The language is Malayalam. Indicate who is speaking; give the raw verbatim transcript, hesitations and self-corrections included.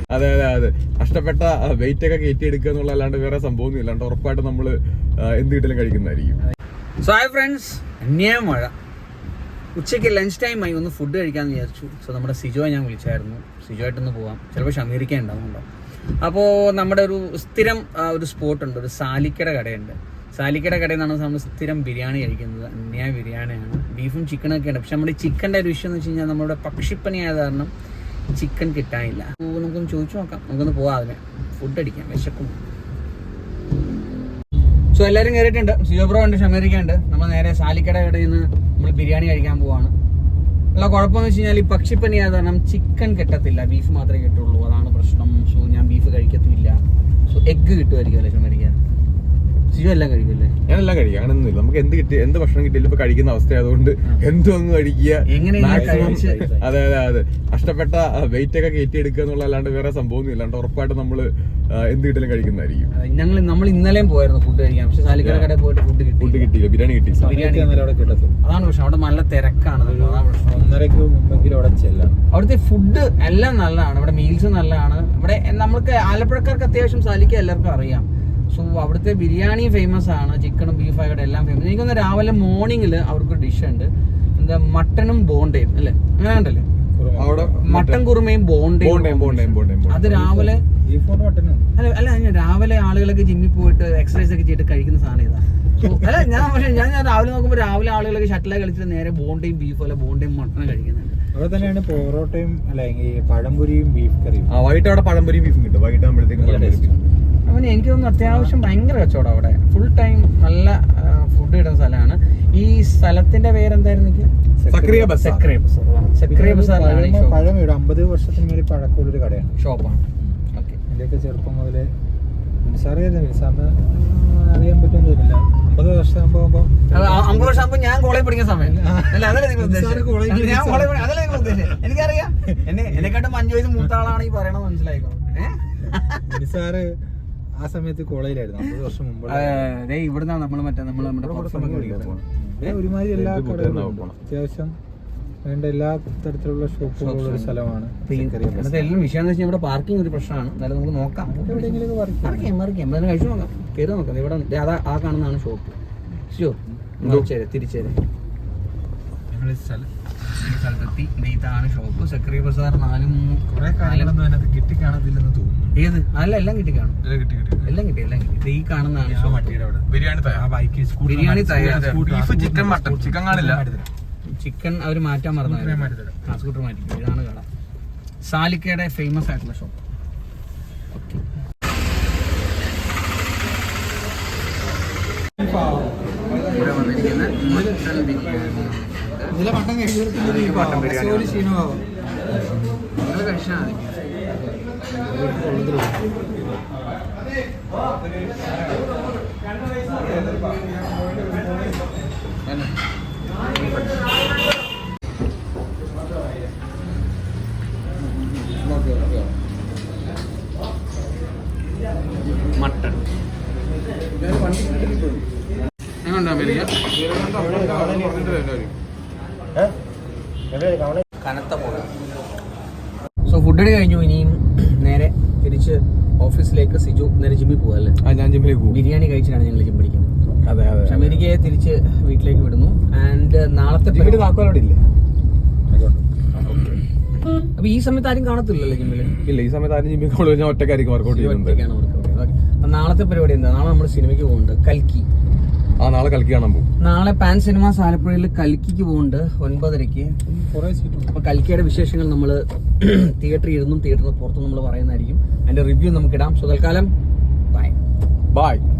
Speaker 1: അതെ അതെ അതെ കഷ്ടപ്പെട്ട വെയിറ്റ് ഒക്കെ കയറ്റി എടുക്കുക എന്നുള്ള അല്ലാണ്ട് വേറെ സംഭവമൊന്നും ഇല്ലാണ്ട് ഉറപ്പായിട്ട് നമ്മൾ എന്ത് കിട്ടലും കഴിക്കുന്നതായിരിക്കും.
Speaker 2: സോ ഹായ് ഫ്രണ്ട്സ്, അന്യായ മഴ. ഉച്ചയ്ക്ക് ലഞ്ച് ടൈം ആയി, ഒന്ന് ഫുഡ് കഴിക്കാമെന്ന് വിചാരിച്ചു. സോ നമ്മുടെ സിജോയെ ഞാൻ വിളിച്ചായിരുന്നു, സിജോ ആയിട്ടൊന്ന് പോവാം, ചിലപ്പോൾ ഷമീറിക്ക ഉണ്ടാവുന്നുണ്ടോ. അപ്പോൾ നമ്മുടെ ഒരു സ്ഥിരം ഒരു സ്പോട്ടുണ്ട്, ഒരു സാലിക്കയുടെ കടയുണ്ട്. സാലിക്കയുടെ കടയിൽ നിന്നാണ് നമ്മൾ സ്ഥിരം ബിരിയാണി കഴിക്കുന്നത്. അന്യായ ബിരിയാണിയാണ്, ബീഫും ചിക്കനൊക്കെ ഉണ്ട്. പക്ഷെ നമ്മുടെ ഈ ചിക്കൻ്റെ ഒരു വിഷയം എന്ന് വെച്ച് കഴിഞ്ഞാൽ നമ്മുടെ പക്ഷിപ്പനി ആയത് കാരണം ചിക്കൻ കിട്ടാനില്ല. അപ്പോൾ നമുക്കൊന്ന് ചോദിച്ചു നോക്കാം, നമുക്കൊന്ന് പോവാം, അതിനെ ഫുഡ് അടിക്കാം, വിശക്കും. സോ എല്ലാവരും കയറിയിട്ടുണ്ട്, സിജോ ബ്രോ ഉണ്ട്, ഷമീറിക്ക ഉണ്ട്. നമ്മൾ നേരെ സാലിക്കയുടെ കടയിൽ നിന്ന് നമ്മൾ ബിരിയാണി കഴിക്കാൻ പോവാണ്. ഉള്ള കുഴപ്പമെന്ന് വെച്ച് കഴിഞ്ഞാൽ ഈ പക്ഷിപ്പനി ആയത് കാരണം ചിക്കൻ കിട്ടത്തില്ല, ബീഫ് മാത്രമേ കിട്ടുള്ളൂ, അതാണ് പ്രശ്നം. സോ ഞാൻ ബീഫ് കഴിക്കത്തില്ല. സോ എഗ്ഗ് കിട്ടുമായിരിക്കും അല്ലേ ഷമീറിക്ക? സിജോ എല്ലാം കഴിക്കുമല്ലേ?
Speaker 1: ഞാനെല്ലാം കഴിക്കും, അങ്ങനെയൊന്നുമില്ല. നമുക്ക് എന്ത് കിട്ടി എന്ത് ഭക്ഷണം കിട്ടിയാലും ഇപ്പൊ കഴിക്കുന്ന അവസ്ഥ ആയതുകൊണ്ട് എന്തും അങ്ങ് കഴിക്കുക. അതെ അതെ അതെ കഷ്ടപ്പെട്ട വെയിറ്റ് ഒക്കെ കയറ്റി എടുക്കുക എന്നുള്ള അല്ലാണ്ട് വേറെ സംഭവമൊന്നും ഇല്ലാണ്ട് ഉറപ്പായിട്ട് നമ്മൾ എന്ത് കിട്ടലും കഴിക്കുന്നതായിരിക്കും.
Speaker 2: ഞങ്ങൾ നമ്മൾ ഇന്നലെയും പോയായിരുന്നു ഫുഡ് കഴിക്കാൻ, പക്ഷെ സാലിക്കട കടയിൽ പോയിട്ട് ഫുഡ് കിട്ടി
Speaker 1: ഫുഡ് കിട്ടിയില്ല, ബിരിയാണി കിട്ടി.
Speaker 2: ബിരിയാണി അതാണ് പ്രശ്നം, അവിടെ നല്ല തിരക്കാണ്. അതാണ് പ്രശ്നം. ഒന്നരക്ക് മുമ്പെങ്കിലും അവിടെ ചെല്ലാം. അവിടുത്തെ ഫുഡ് എല്ലാം നല്ലതാണ്, ഇവിടെ മീൽസ് നല്ലതാണ്. ഇവിടെ നമുക്ക് ആലപ്പുഴക്കാർക്ക് അത്യാവശ്യം സാലിക്ക എല്ലാവർക്കും അറിയാം. സോ അവിടുത്തെ ബിരിയാണി ഫേമസ് ആണ്, ചിക്കനും ബീഫ് ആയിട്ട് എല്ലാം ഫേമസ്. എനിക്കൊന്ന് രാവിലെ മോർണിംഗിൽ അവർക്ക് ഡിഷ് ഉണ്ട്, എന്താ മട്ടനും ബോണ്ടയും അല്ലേ, അങ്ങനെ ഉണ്ടല്ലേ അവിടെ, മട്ടൻ കുറുമയും ബോണ്ടയും. അത് രാവിലെ അല്ല അല്ല രാവിലെ ആളുകളൊക്കെ ജിമ്മിൽ പോയിട്ട് എക്സസൈസ് ഒക്കെ ചെയ്തിട്ട് കഴിക്കുന്ന സാധനം ഇതാ. അല്ല ഞാൻ പക്ഷേ ഞാൻ ഞാൻ രാവിലെ നോക്കുമ്പോൾ രാവിലെ ആളുകളൊക്കെ ഷട്ടിലൊക്കെ കളിച്ചിട്ട് നേരെ ബോണ്ടയും ബീഫും അല്ല ബോണ്ടയും മട്ടനും കഴിക്കുന്നുണ്ട്.
Speaker 3: അവിടെ തന്നെയാണ് പൊറോട്ടയും അല്ലെങ്കിൽ പഴംപൊരിയും ബീഫ് കറിയും.
Speaker 1: ആ വൈകിട്ട് അവിടെ പഴംപൊരിയും ബീഫും കിട്ടും, വൈകിട്ട് ആകുമ്പോഴത്തേക്കും.
Speaker 2: അവന് എനിക്ക് തോന്നുന്നു അത്യാവശ്യം ഭയങ്കര കച്ചവടം അവിടെ, ഫുൾ ടൈം നല്ല ഫുഡ് കിട്ടുന്ന സ്ഥലമാണ്. ഈ സ്ഥലത്തിന്റെ പേരെന്തായിരുന്നു?
Speaker 3: അമ്പത് വർഷത്തിന് മേലെ പഴക്കമുള്ളൊരു കടയാണ്,
Speaker 2: ഷോപ്പാണ്.
Speaker 3: എന്റെയൊക്കെ ചെറുപ്പം മുതലേ നിസാറിയായിരുന്നു, നിസാറിന് അറിയാൻ പറ്റുമെന്ന് തോന്നില്ല. അമ്പത് വർഷം ആകുമ്പോ
Speaker 2: അമ്പത് വർഷം ആകുമ്പോ ഞാൻ കോളേജ് പഠിക്കുന്ന സമയം എനിക്കറിയാം. എന്നെ എന്നെക്കാട്ടും അഞ്ചു വയസ്സ് മൂത്ത ആളാണ് ഈ പറയണത്, മനസ്സിലായിക്കോ?
Speaker 3: നിസാറ് ആ സമയത്ത് കോളേജിലായിരുന്നു, അമ്പത് വർഷം മുമ്പ്.
Speaker 2: ഇവിടുന്നാണ് നമ്മൾ മറ്റേ നമ്മൾ നമ്മുടെ
Speaker 3: ഒരുമാതിരി എല്ലാ കടകളും അത്യാവശ്യം വേണ്ട എല്ലാ തരത്തിലുള്ള ഷോപ്പുകളുള്ള ഒരു സ്ഥലമാണ്.
Speaker 2: എല്ലാം വിഷയം എന്ന് വെച്ചാൽ ഇവിടെ പാർക്കിംഗ് ഒരു പ്രശ്നമാണ്. എന്നാലും നമുക്ക് നോക്കാം, എവിടെയെങ്കിലും കഴിച്ചു നോക്കാം, കയറി നോക്കാം. ഇവിടെ അതാ ആ കാണുന്നതാണ് ഷോപ്പ്. ഷോ തിരിച്ചേരെ തിരിച്ചേരെ ഞങ്ങൾ സ്ഥലത്തെത്തി. ഇതാണ് ഷോപ്പ്, സക്രിയ ബസാർ. നാലും
Speaker 3: കുറെ കാര്യങ്ങളൊന്നും അതിനകത്ത് കിട്ടി കാണത്തില്ലെന്ന് തോന്നുന്നു.
Speaker 2: ഏത്? അല്ല എല്ലാം കിട്ടി കാണും, എല്ലാം കിട്ടി എല്ലാം കിട്ടി. ഈ കാണുന്നതാണ്
Speaker 1: ബിരിയാണി
Speaker 2: ബിരിയാണി തയ്യാർ.
Speaker 1: ചിക്കൻ മട്ടൺ ചിക്കൻ കാണില്ല,
Speaker 2: ചിക്കൻ അവർ മാറ്റാൻ മറന്നു, ആ സ്കൂട്ടർ മാറ്റിക്കും. ഇതാണ് കട, സാലിക്കയുടെ ഫേമസ് ആയിട്ടുള്ള ഷോപ്പ്. ഇവിടെ വന്നിരിക്കുന്ന മട്ടൺ ബിരിയാണി. മട്ടൺ ബിരിയാണി നിങ്ങൾ കഴിച്ചാൽ മതി. മട്ടൺ കനത്ത പോലെ. സോ ഫുഡ് അടി കഴിഞ്ഞു, ഇനിയും നേരെ തിരിച്ച് ഓഫീസിലേക്ക്. സിജു നേരെ ജിമ്മിൽ പോവാ അല്ലേ?
Speaker 1: ഞാൻ ജിമ്മിലേക്ക് പോകും.
Speaker 2: ബിരിയാണി കഴിച്ചിട്ടാണ് ഞങ്ങൾ ജിം പഠിക്കുന്നത്.
Speaker 1: അതെ അതെ.
Speaker 2: ഷമീറിക്കയെ തിരിച്ച് വീട്ടിലേക്ക് വിടുന്നു. ആൻഡ് നാളത്തെ
Speaker 1: താക്കോലോടെ ഇല്ലേ?
Speaker 2: അപ്പൊ ഈ സമയത്ത് ആരും കാണത്തില്ലല്ലോ ജിമ്മിൽ?
Speaker 1: ഇല്ല, ഈ സമയത്ത് ആരും ജിമ്മിൽ ഞാൻ ഒറ്റക്കായിരിക്കും വർക്കൗട്ട് ചെയ്യുന്നത്.
Speaker 2: നാളത്തെ പരിപാടി എന്താ? നാളെ നമ്മൾ സിനിമയ്ക്ക് പോകുന്നുണ്ട്, കൽക്കി.
Speaker 1: ആ നാളെ കൽക്കി കാണാൻ പോകും.
Speaker 2: നാളെ പാൻ സിനിമാസ് ആലപ്പുഴയിൽ കൽക്കിക്ക് പോകുന്നുണ്ട് ഒൻപതരയ്ക്ക്. അപ്പൊ കൽക്കിയുടെ വിശേഷങ്ങൾ നമ്മൾ തിയേറ്ററിൽ ഇരുന്നും തിയേറ്ററിന് പുറത്തും നമ്മൾ പറയുന്നതായിരിക്കും. അതിന്റെ റിവ്യൂ നമുക്ക് ഇടാം. സോ തൽക്കാലം ബൈ
Speaker 1: ബൈ.